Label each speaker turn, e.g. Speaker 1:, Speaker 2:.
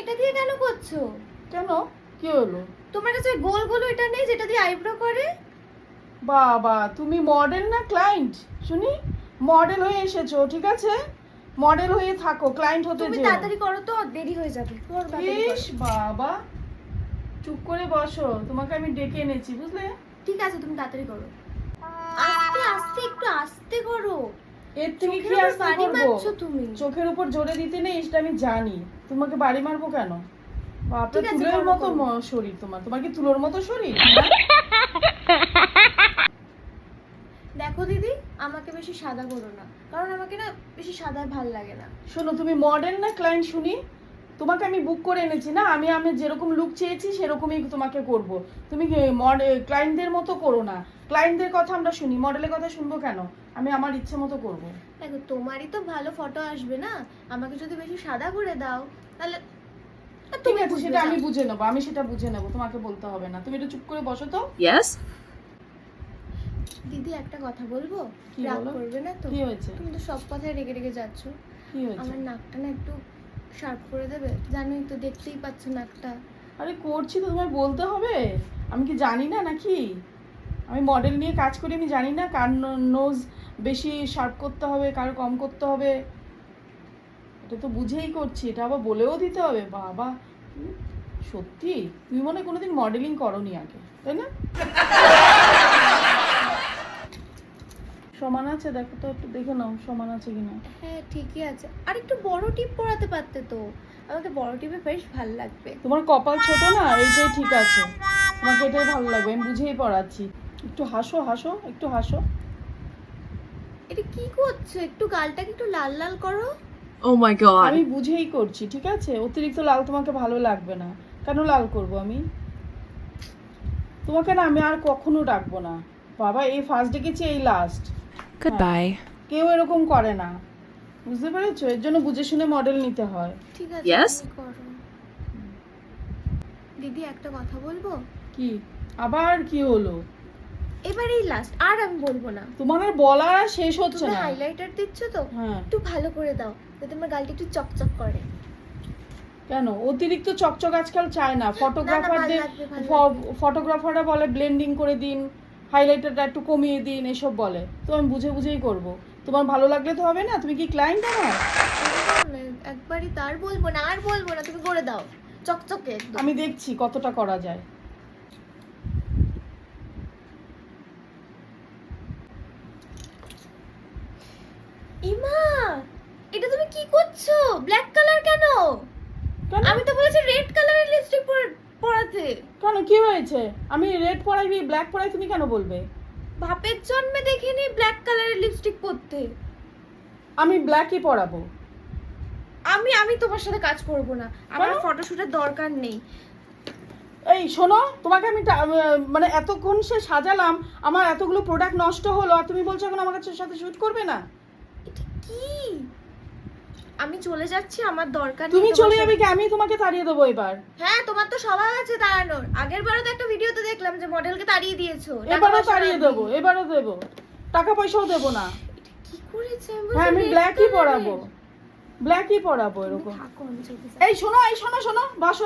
Speaker 1: এটা দিয়ে কেন করছো?
Speaker 2: কেন, কি হলো?
Speaker 1: তোমার কাছে গোল গোল এটা নেই যেটা দিয়ে আইব্রো করে?
Speaker 2: বাবা, তুমি মডেল না ক্লায়েন্ট? শুনি, মডেল হয়ে এসেছো, ঠিক আছে, মডেল হয়ে থাকো, ক্লায়েন্ট হতে
Speaker 1: তুমি
Speaker 2: যেও।
Speaker 1: তাড়াতাড়ি করো তো, দেরি হয়ে যাবে।
Speaker 2: ইস বাবা, চুপ করে বসো, তোমাকে আমি ডেকে এনেছি, বুঝলে?
Speaker 1: ঠিক আছে, তুমি তাড়াতাড়ি করো। আস্তে আস্তে, একটু আস্তে করো।
Speaker 2: এর থেকে কি আস্তে
Speaker 1: বাড়ি
Speaker 2: করবো?
Speaker 1: মারছো তুমি।
Speaker 2: চোখের উপর জোরে দিতে নেই, সেটা আমি জানি। তোমাকে বাড়ি মারবো কেন? বাপরে,
Speaker 1: ঠিক আছে,
Speaker 2: তুলোর
Speaker 1: করো,
Speaker 2: মতো
Speaker 1: করো।
Speaker 2: শরীর তোমার। তোমার কি তুলোর মতো শরীর?
Speaker 1: দেখো দিদি, আমাকে বেশি সাদা করো না, কারণ আমাকে না বেশি সাদা ভাল লাগে না।
Speaker 2: শোনো, তুমি মডেল না ক্লায়েন্ট শুনি? তোমাকে আমি বুক করে এনেছি না, আমি আমি যেরকম লুক চেয়েছি সেরকমই তোমাকে করব। তুমি ক্লায়েন্টদের মতো করো না। ক্লায়েন্টদের কথা আমরা শুনি, মডেলের কথা শুনবো কেন? আমি আমার ইচ্ছে মতো করব।
Speaker 1: দেখো, তোমারই তো ভালো ফটো আসবে না, আমাকে যদি বেশি সাদা করে দাও তাহলে আর
Speaker 2: ঠিক
Speaker 1: তুমি
Speaker 2: আছে,
Speaker 1: বুঝবে
Speaker 2: সেটা
Speaker 1: না।
Speaker 2: আমি বুঝে নেবো, আমি সেটা বুঝে নেবো, তোমাকে বলতে হবে না। তুমি একটু চুপ করে বসো তো।
Speaker 3: Yes?
Speaker 1: দিদি, একটা কথা বলবো?
Speaker 2: কি
Speaker 1: রাগ
Speaker 2: বলো?
Speaker 1: করবে না তো?
Speaker 2: কি হয়েছে?
Speaker 1: তুমি তো সব কথায় রেগে রেগে যাচ্ছ।
Speaker 2: কি হয়েছে?
Speaker 1: আমার নাকটা না একটু শার্প করে দেবে? জানোই তো, দেখতেই পাচ্ছ নাকটা।
Speaker 2: আরে করছি তো, তোমায় বলতে হবে? আমি কি জানি না নাকি? আমি মডেল নিয়ে কাজ করি, আমি জানি না কার নোজ বেশি শার্প করতে হবে, কার কম করতে হবে? এটা তো বুঝেই করছি, এটা আবার বলেও দিতে হবে? বাবা, সত্যি তুমি মনে হয় কোনোদিন মডেলিং করোনি আগে, তাই না? সমান আছে, দেখো তো, একটু দেখে নাও সমান আছে কিনা।
Speaker 1: হ্যাঁ, ঠিকই আছে। আর একটু বড় টিপ পরাতে পারতে তো, আমাকে বড় টিপে বেশ ভালো লাগবে।
Speaker 2: তোমার কপাল ছোট না, এইটাই ঠিক আছে, তোমাকে এটাই ভালো লাগবে, আমি বুঝেই পড়াচ্ছি। একটু হাসো, হাসো, একটু হাসো।
Speaker 1: এটা কি করছো? একটু গালটাকে একটু লাল লাল করো।
Speaker 3: Oh my
Speaker 2: আমি
Speaker 3: god.
Speaker 2: বুঝেই করছি, ঠিক আছে? অতিরিক্ত লাল তোমাকে ভালো লাগবে না। কেন লাল করব আমি? তোমাকে না আমি আর কখনো ডাকবো না। বাবা, এই ফার্স্ট ডেকেছি, এই লাস্ট।
Speaker 3: Goodbye.
Speaker 2: কেউ এরকম করে না, বুঝতে পেরেছো? এর জন্য বুঝে শুনে মডেল নিতে হয়।
Speaker 1: ঠিক আছে,
Speaker 3: Yes?
Speaker 1: তুমি করো। দিদি, একটা কথা বলবো?
Speaker 2: কি আবার কি হলো?
Speaker 1: এবারেই লাস্ট, আর আমি বলবো না।
Speaker 2: তোমার আর বলা আর শেষ হচ্ছে
Speaker 1: তুমি
Speaker 2: না।
Speaker 1: হাইলাইটার দিচ্ছ তো,
Speaker 2: হ্যাঁ।
Speaker 1: একটু ভালো করে দাও যাতে আমার গালটা একটু চকচক করে।
Speaker 2: কেন অতিরিক্ত চকচক আজকাল চায় না? ফটোগ্রাফারদের,
Speaker 1: ভালো লাগবে।
Speaker 2: ফটোগ্রাফাররা বলে ব্লেন্ডিং করে দিন, হাইলাইটারটা একটু কমিয়ে দিন, এসব বলে। তো আমি বুঝে বুঝেই করব। তোমার ভালো লাগলে তো হবে না, তুমি কি ক্লায়েন্ট আমার?
Speaker 1: একবারই তার বলবো না, আর বলবো না, তুমি করে দাও চকচকে একদম।
Speaker 2: আমি দেখছি কতটা করা যায়।
Speaker 1: ইমা, এটা তুমি কি করছো? ব্ল্যাক কালার কেন?
Speaker 2: কেন?
Speaker 1: আমি তো বলেছি রেড কালারের লিপস্টিক পরাতে।
Speaker 2: কেন, কি হয়েছে? আমি রেড পরাইবি, ব্ল্যাক পরাই, তুমি কেন বলবে?
Speaker 1: বাপের জন্মে দেখিনি ব্ল্যাক কালারের লিপস্টিক পরতে।
Speaker 2: আমি ব্ল্যাকই পরাবো।
Speaker 1: আমি তোমার সাথে কাজ করব না, আমার
Speaker 2: কেন?
Speaker 1: ফটোশুটের দরকার নেই।
Speaker 2: এই শোনো, তোমাকে আমি মানে এতক্ষণ সে সাজালাম, আমার এতগুলো প্রোডাক্ট নষ্ট হলো, আর তুমি বলছো এখন আমার কাছে সাথে শুট করবে না?
Speaker 1: এটা কি? আমি চলে যাচ্ছি, আমার দরকার নেই।
Speaker 2: তুমি
Speaker 1: তোমার
Speaker 2: চলে
Speaker 1: সাথে।
Speaker 2: যাবে কি? আমি তোমাকে তাড়িয়ে দেবো এবার।
Speaker 1: হ্যাঁ, তোমার তো স্বভাব আছে তাড়ানোর। আগের বারও তো একটা ভিডিওতে দেখলাম যে মডেলকে তাড়িয়ে দিয়েছো।
Speaker 2: এবারও তাড়িয়ে দেবো, এবারও দেবো, টাকা পয়সাও দেবো না।
Speaker 1: এটা কি করেছে?
Speaker 2: হ্যাঁ, আমি ব্ল্যাকই পরাবো, ব্ল্যাকই পরাবো এরকম।
Speaker 1: থাকো, আমি চলে যাচ্ছি।
Speaker 2: এই শোনো, এই শোনো, শোনো, বাসো।